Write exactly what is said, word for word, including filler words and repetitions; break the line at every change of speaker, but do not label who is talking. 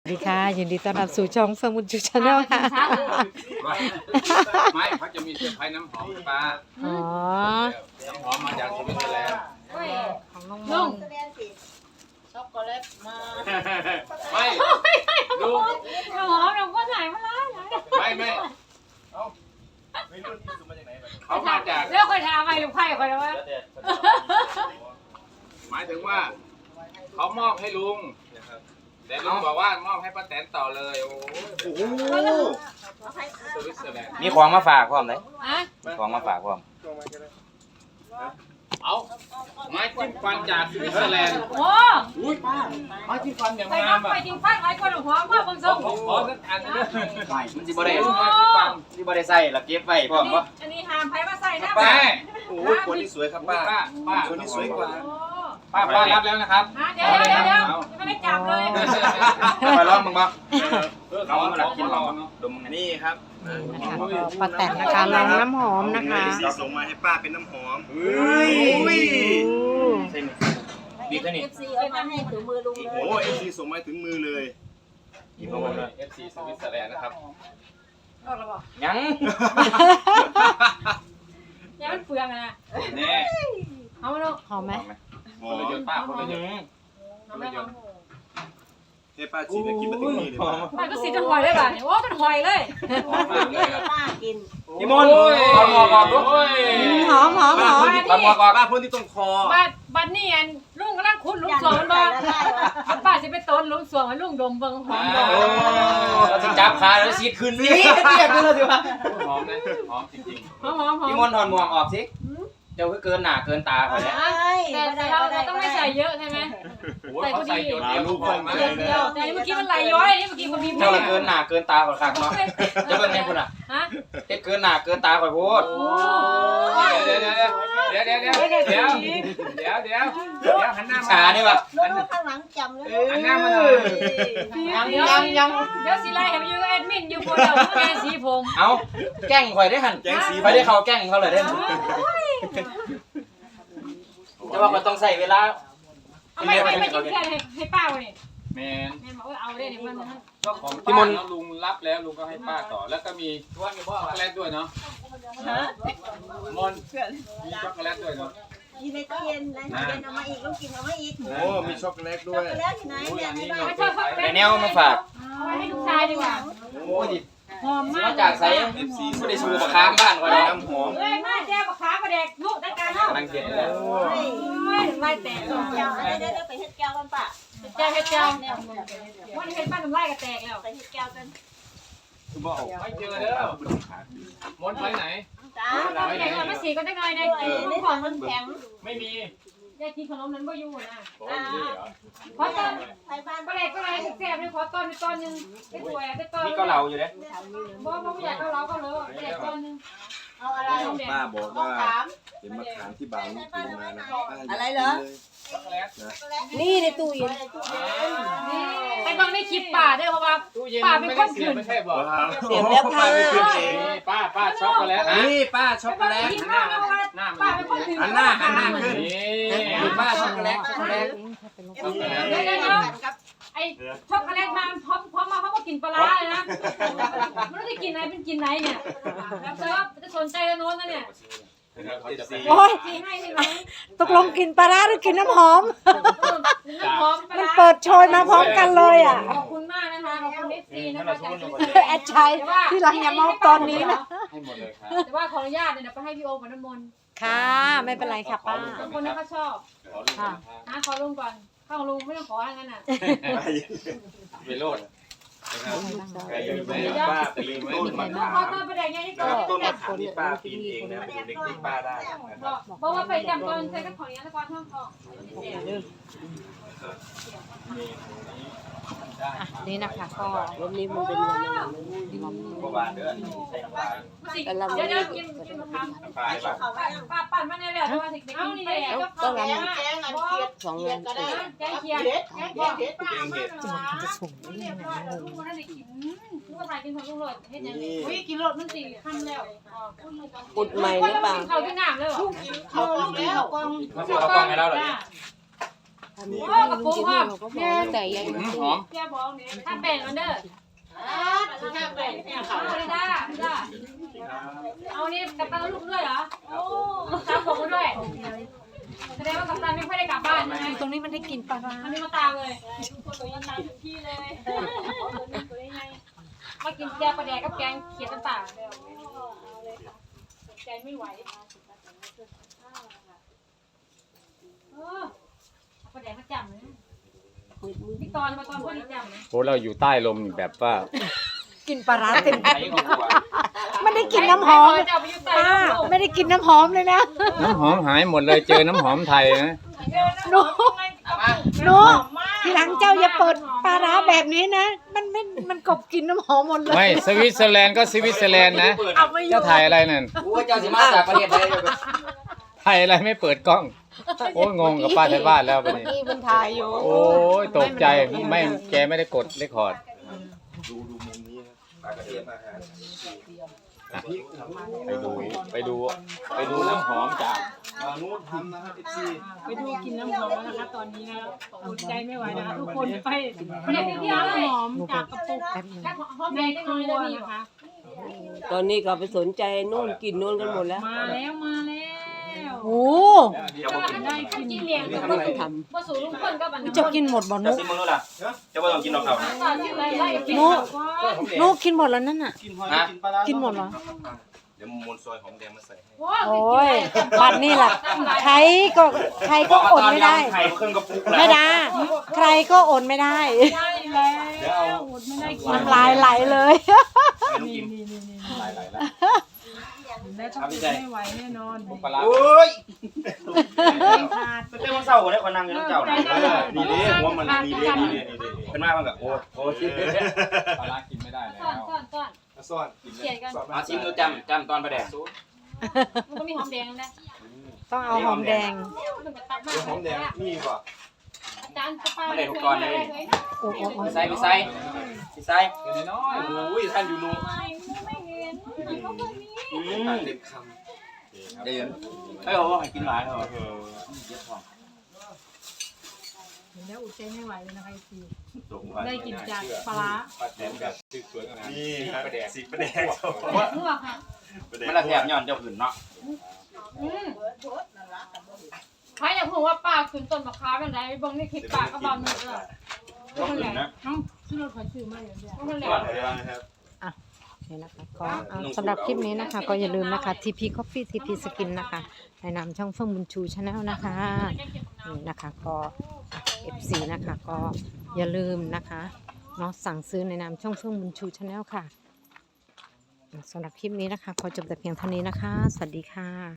สวัสดีค่ะยินดีต้อนรับสู่ช่องเฟิร์มบุญชูชาแนลค่ะ
ไม่เขาจะมีเซอร์ไพรส์น้ำหอมปลา
อ๋อ
น้ำหอมมาจากสวิตเซอร์แลนด์
ของน้องม
ลุ
อง ง
ช็อกโกแลตมา
ไม่ลุง
น้ำหอมเราก็ถ่ายมาแล้ว
ไม่ไม่เขามาจาก
เรื่องคนทำไมลูกไผ่คนละวะ
หมายถึงว่าเขามอบให้ลุงแต่ลุงบอกว่ามอบให้ป้าแตนต่อเลยโอ้โหสวิตเซอร์แลนด์
มีของมาฝากพร้อมเลย
ฮะ
มีของมาฝากพร้อม
เอาไม้จิ้มฟันจากสวิตเซอร์แลนด์
โอ้
อุ้ยป้าไม้จิ้มฟันอย่าง
ไป
งาม
น้ำ
อ่ะ
ไปจริงฟันหลายคนหลวงพ่อว่าบาง
ข
ทร
อง ขอขอสักอันนึง
มันสิบ่ได้
ไม้จิ้มฟัน
สิบ่ได้ใส่แล้วเก็บไว้พร้อมบ่
อันนี้หามไผ่มาใส่หน้า
ป้า
โอ้ยคนที่สวยครับป้า
ป้าป้า
คนที่สวยกว่า
ป้าป้ารับแล้วนะครับ
เดี๋ยวเดี๋ยวเดี๋ยวยังไม่ได้จับเลย
ไปลองมึงบ่
เรา
เรา
มา
มา
หลั
ลั
ก
ก
กิ
กิ
น
น
เรา
เรา
เนาะ
ดมอันนี้ครับ
นะคะก็ป้าแตนนะคะลองน้ำหอมนะคะ
สีส่งมาให้ป้าเป็นน้ำหอม
เฮ้ย
โอ้
เส้นบีบเท่านี้
เอฟซีเอามาให้ถึงมือลุง
โอ้โหเอฟซีส่งมาถึงมือเลย
บีบลงไปเลย
เอฟซีสวิตเซอร์แลนด์นะครับ
ก็ระบอก
ยัง
ยังมันเปลืองนะ
แน่
เอามาลูก
หอมไหม
ห
ค
อน
ละหย
ม
ดป้าคนละหยด
เอามาลอง
ให้ป้าฉีดแล้วกินมาถึงนี่เลยป้า
มันก็สีจนหอยเลยป่ะโอ้จนหอยเลย
หอมมากเลยครับ
พี่มนต์เอาหมอกออกดู
โอ้ย
หอมหอมหอม
เอาหมอกออก
ป้าพ่นที่ตรงคอ
บัดบัดนี่อันลุงกำลังขุดลุงสวงมันบ่ป้าสิไปต้นลุงสวงให้ลุงดมเบิ่งหอมบ่
โอ้เราสิจับขาแล้วสีดขึ้นนี่เรียกดูแล้วสิว่า
หอมนะหอมจริง
หอมหอมหอม
พี่มนต์ถอดหมวกออกสิเดี๋ยวคือเกินหน้าเกินตาเขาแล้ว
แต่แต่เราเราต้องไม่ใส่เยอะใช่ไหม
ๆโอ้ยเขาใส่หยดเดียวทุกคนมา
เดียวเดียวแต่เมื่อกี้มันไหลย้อยนี่เมื่อกี้คนมี
เจ้าละเกินหน้าเกินตาข่อยคักเนาะจะเป็นไงคุณอ่ะ
ฮะ
เฮ็ดเกินหน้าเกินตาข่อยโพด
โอ้ย
เดี๋ยวเดี๋ยวเดี๋ยวเดี๋ยวเดี๋ยวเดี๋ยวเดี๋ยวเดี๋ยวเดี๋ยวเดี๋ยวหันหน้ามา
ชานี่ว่ะ
ลูกข้างหลังจำเลย
หันหน้ามาหน่อย
ยังยังยังเดี๋ยวสิไล่ให้ไปอยู่กับแอดมินอยู่คนเดียวแกสีผม
เอาแกล้งข่อยได้หั่น
แกงสี
ไปได้เขาแกล้งเขาเลยได้จะว่ามันต้องใส่เวลา
เอาไม่ไม่ไม่จิ้มแค่ให้ให้ป้าเลย
แมน
แม่บอกว่าเอาได้เนี่ยมันมัน
ก็ของป้าเนาะลุงรับแล้วลุงก็ให้ป้าต่อแล้วก็มีช็อกโกแลตด้วยเนาะมอนมีช็อกโกแลตด้วยเนาะ
อยู่ในตู้เย็นในตู้เย็นเอามาอีกลูกกินเอามาอีก
โอ้มีช็อกโกแลตด้วย
แล้วที่ไหนเนี่ยในบ้าน
ไม่ชอบเขา
แต่แนวมาฝาก
เอาไว้ให้ลูกชายดีกว่า
โอ้ย
หอมมาก
มาจากใส่ไม่ได้ชูปากค้างบ้านก่อนเลย
น้ำหอม
เอ้ยมาแจ้วขาประเด็กลูกได้การเนาะ
กำลังเก็บแล้ว
โอ้
เฮ้ยไล่แตก
เจ้าอะไรได้ไปเฮ็ดแก้วกันป่ะ
แจ้วแจ้ววันนี้เห็นป้าทำไล่ก็แตกแล้ว
ไปเฮ็ดแก้วกัน
คือบอกไม่เจอเด้อมอนไปไหน
จ้า
แข็งมาสีก็ได้หน่อยได้
ใน
กิน
ถังมันแข็ง
ไม่มี
ได้กินขนมนั้นบ่อยู่นะ
โอ้ยนี่เหรอ
ขอต้น
ไปบ้าน
ประเด็กก็เลยแซ่บนี่ขอต้นต้นนึงได้ถ้วยได้ต้น
นี่ก็เหลาอยู่เลย
บ่บ่อยากก็เราก็เลยได้ต้นนึง
เอาอะไร
ป้าบอกว่า
ถาม
เป็นมะขามที่บ่าวลูกกินมานะ
อะไรเหรอ
ช็อกโกแลต
นี่ในตู้เย็น
นี่ไปเบิ่งในคลิปป่าเด้อเพราะว่า
ตู้เย็นมันไม่ได้เสียบไม่ใช่บอก
เสียบแล้วค่ะ
นี่ป้าป้าช็อกโกแลตนะ
นี่ป้าช็อกโกแลต
กินข้าวแล้วว่า
หน้า
ป้า
มัน
เป็นคนถือ
หันหน้าหันหน้าขึ้น
นี่
นี่ป้าช็อกโกแลตช็อกโกแลต
ช็อกโกแลต
เดี๋ยวเดี๋ยวเดี๋ยวไอ้ช็อกโกแลตมาพร้อมพร้อมมาเขาก็กินปลาร้าเลยนะไม่รู้จะกินไหนเป็นกินไหนเนี่ยแล้วเธอจะสนใจกันโน้นนะเนี่ย
โอ้ย
กินให้ใช่ไหม
ตกลงกินปลาร้าหรือกินน้ำหอม
น้ำหอมปลา
มัน
ร้า
เปิดโชยมาพร้อมกันเลยอ่ะ
ขอบคุณมากนะคะขอบคุณเอฟซีนะคะจากที่
แอดชัยที่หลังอย่าเมาตอนนี้นะ
ให้หมดเลยครับ
แต่ว่าขออนุญาตเนี่ยเดี๋ยวไปให้พี่โอมกับน้ำมนต์
ค่ะไม่เป็นไรค่ะป้า
บางคนนี่เขาชอบ
ขอลุงก่อน
นะขอลุงก่อนข้างลุงไม่ต้องขออะไรงั้นอ่ะ
เวโรดใครอยู่ไหน
ป้าไปลืมต้นมะ
ขอ
ขาม
ต้นประเด็นนี้
นะ
ก่อ
ครับ
น
ต้นมะขามที่ป้าปีนเองนะดูเด็กๆป้าได้นะครับ
บอกว่าไปจำตอนใช้กับของยาตะกอนท่องทอง
นี่นะคะก็
วันนี้มันเป็นวัน
เมื่อวานเด้อใส่น้ำปลา
เดี๋ยวเดี๋ยวกินกินมะขาม
น้ำปลาได้ป่ะ
เขาไม่
ป้าปั่นมาในเรื่องว่าสิเด็กกินไปแล้วก็เขาแกงแกงอันเคียดสองเงินก็ได้แกงเคียดแกงเคียดป้ามา
จะมากินส่งได้
เรี
ยั
ย
ง
บ
ไง
ร้อยแล้ว
ง
ลู
ง
กมันได้กินลูกถ่ายกินของลุงโรดเฮ็ดยังไงอุ้ยกินโรดมันสี่คำแล้ว
อุดใหม่หรือเปล่า
เขาที่น้ำเลยเหรอ
เขาแล้วกอง
มาซื้อข้าวกล้องให้เราเหรอเนี่ย
ทำนี่
โอ้กระปุกพ่อ
เราก็บอกแต่ยัง
อืมหอม
ถ้าแป้งมันเด้อถ้าแป้งเนี่ยค่ะไม่ได้ไม่ได้เอานี่กับตันลูกด้วยเหรอโอ้ตามผมด้วยแสดงว่ากัปตันไม่ค่อยได้กลับบ้านใช่ไหม
ตรงนี้มันได้กินปลาร้า
อันนี้มาตามเลยตัวยังตามที่เลยมากินแกงปลาแดกกับแกงเขียดต่างๆใจไม่ไหวเออปลาแดกมาจับเลยพี่ตอนมาตอนพ่อนี่จับเลย
โอ้เราอยู่ใต้ลมแบบว่า
กินปลาร้าเต็ม
ไอ้ก็กลัว
ไม่ได้กินน้ำหอม
จับไปอยู่ใต้
ป้าไม่ได้กินน้ำหอมเลยนะ
น้ำหอมหายหมดเลยเจอน้ำหอมไทยนะ
หนูหนูทีหลังเจ้าอย่าเปิดปลาร้าแบบนี้นะ มันไม่มันกบกินน้ำหอมหมดเลย
ไม่สวิตเซอร์แลนด์ก็สวิตเซอร์แลนด์นะ
เอาไม่อ
เจ้า
ยู่
ไทยอะไรนั่น
กูว่าเจ้าสิมาจากประเทศใด
ไทยอะไรไม่เปิดกล้อง โอ้ยงงกับป้าไทยบ้านแล้ววันนี้
นี่มันถ่ายอยู่
โอ้ยตกใจไม่แกไม่ได้กดเรคคอร์ด
ดูดูมุมนี้นะปลากระเทียมอาหาร
ไปดูไปดูไปดูน้ำหอมจาก
มานู้นทำนะครับเอฟซี
ไปดูกินน้ำหอมแล้วนะคะตอนนี้นะอดใจไม่ไหวนะคะทุกคนไปไปเด็กเที่ยวเลยหอมจากกระปุก
แป๊บนึง
หอมแดงได้น้อยได้มีนะคะ
ตอนนี้ก็ไปสนใจนู่นกินนู่นกันหมดแล้ว
มาแล้วมาแล้ว
โอ้
ได้กินเลี้ยงกับบ่สูบ่สูลุงคนกับอันนั้น
จะกินหมดบ่นุ
จะซิมมึงรู้ล่ะจะว่าต้องกินนอกเขา
ต่อชื่ออะไรไล่กิน
นุนุกินหมดแล้วนั่นน่ะ
กินหอยกินปลาร้า
กินหมดเหรอ
เดี๋ยวมูลซอยหอมแดงมาใส่ให้
โอ้ยบัดนี่แหละใครก็ใครก็อดไม่ได้
ไข่เครื่องกระปุก
แม่ดาใครก็อดไม่ได้
ได้แล้ว
เดี๋ยวเอา
อดไม่ได้กิน
น้ำลายไหลเลย
ไม่ต้องกินหลายหลายแล้ว
แล้วต้องไม่ไหวแน่นอน
ปลาร้า
โอ้ย
ขาด
เป็นเรื่องเศร้าได้คนนั่งอยู่น้ำเจ้านี่นี่เด้หัวมันนี่เด้นี่เด้นี่เด้เป็นมากมันกับโอ้โอ้ชิ
ปลาร้ากินไม่ได้แล้
ซ่อน
ว
ซ่อนซ่อน
ซ่อน
เขียนกัน
เอาชิมดูจำจำตอนประแดก
มันก็มีหอมแดงนะ
ต้องเอาหอมแดง
มันก็ตักมา
เดี๋ยวหอมแดงนี่ก่อน
อาจารย์จะป้า
โอ้โห
พี่ไซพี่ไซพี่ไซ
เป็นน้อย
โอ้ยท่านอยู่นู้น
ไม่เห็นเขาไม่มี
อืมเต็มค
เดี๋ยวไม่บอกว่าให้กินหลายเหรอ
ำเออ
แล้วอุดใจไม่ไหวเลยนะคะพี่
ส่งมา
ได้กินจากปลาร้า
ปลาแดงแบบสวยๆงาม
นี่ครับสีประแดง
เมื่อค่ะ
มันละแถบย้อนเจ้าขืนเนาะ
อืมใครอยากรู้ว่าป้าขึ้นต้นมะขามเป็นไรบางนี่คลิปป้าก็บางนี่เออ
ต้องอื่นนะ
น้องซื้อรถขายซื้อมาอย่างเดียวมันแหล
ก่อน
ม
เดี๋ยวนะครับ
นี่นะคะก็เอาสำหรับคลิปนี้นะคะ ก็อย่าลืมนะคะ ที พี Coffee ที พี Skin นะคะในนามช่องเฟื่องบุญชูชาแนลนะคะนี่นะคะก็ เอฟ ซี นะคะก็อย่าลืมนะคะเนาะสั่งซื้อในนามช่องเฟื่องบุญชูชาแนลค่ะสำหรับคลิปนี้นะคะขอจบแต่เพียงเท่านี้นะคะ สวัสดีค่ะ